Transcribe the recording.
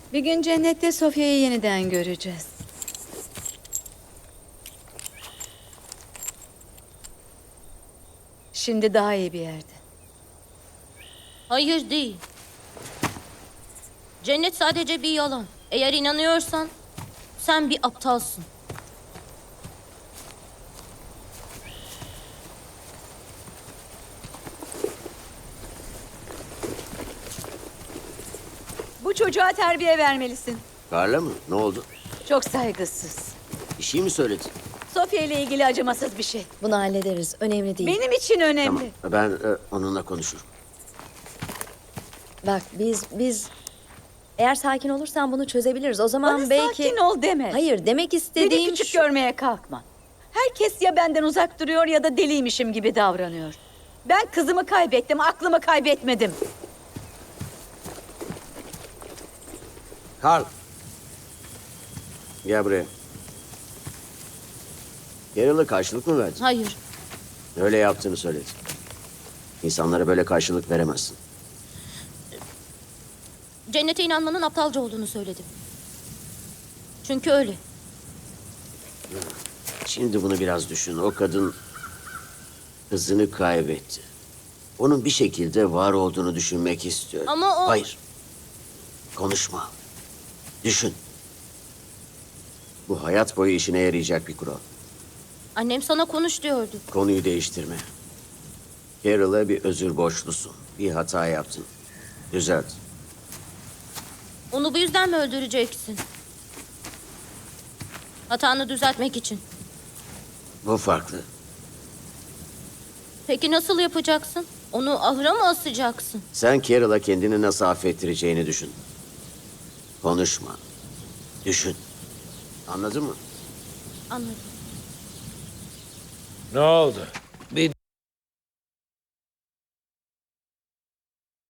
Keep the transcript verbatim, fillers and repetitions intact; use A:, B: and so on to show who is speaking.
A: Bir gün cennette Sofya'yı yeniden göreceğiz. Şimdi daha iyi bir yerde.
B: Hayır değil. Cennet sadece bir yalan. Eğer inanıyorsan sen bir aptalsın.
A: Bu çocuğa terbiye vermelisin.
C: Carla mı? Ne oldu?
A: Çok saygısız.
C: Bir şey mi söyledi?
A: Sofya ile ilgili acımasız bir şey.
D: Bunu hallederiz. Önemli değil.
A: Benim için önemli.
C: Tamam. Ben e, onunla konuşurum.
D: Bak biz biz eğer sakin olursan bunu çözebiliriz. O zaman
A: Bana
D: belki
A: sakin ol deme.
D: Hayır, demek
A: Beni
D: istediğim
A: küçük
D: şu-
A: görmeye kalkma. Herkes ya benden uzak duruyor ya da deliymişim gibi davranıyor. Ben kızımı kaybettim, aklımı kaybetmedim.
C: Carl. Gel buraya. Carol'a karşılık mı verdin?
B: Hayır.
C: Öyle yaptığını söyledi. İnsanlara böyle karşılık veremezsin.
B: Cennete inanmanın aptalca olduğunu söyledim. Çünkü öyle.
C: Şimdi bunu biraz düşün. O kadın kızını kaybetti. Onun bir şekilde var olduğunu düşünmek istiyor.
B: Ama o-
C: Hayır. Konuşma. Düşün. Bu hayat boyu işine yarayacak bir kural.
B: Annem sana konuş diyordu.
C: Konuyu değiştirme. Carol'a bir özür borçlusun. Bir hata yaptın. Düzelt.
B: Onu bu yüzden mi öldüreceksin? Hatanı düzeltmek için.
C: Bu farklı.
B: Peki nasıl yapacaksın? Onu ahıra mı asacaksın?
C: Sen Carol'a kendini nasıl affettireceğini düşün. Konuşma. Düşün. Anladın mı?
B: Anladım.
E: Ne oldu?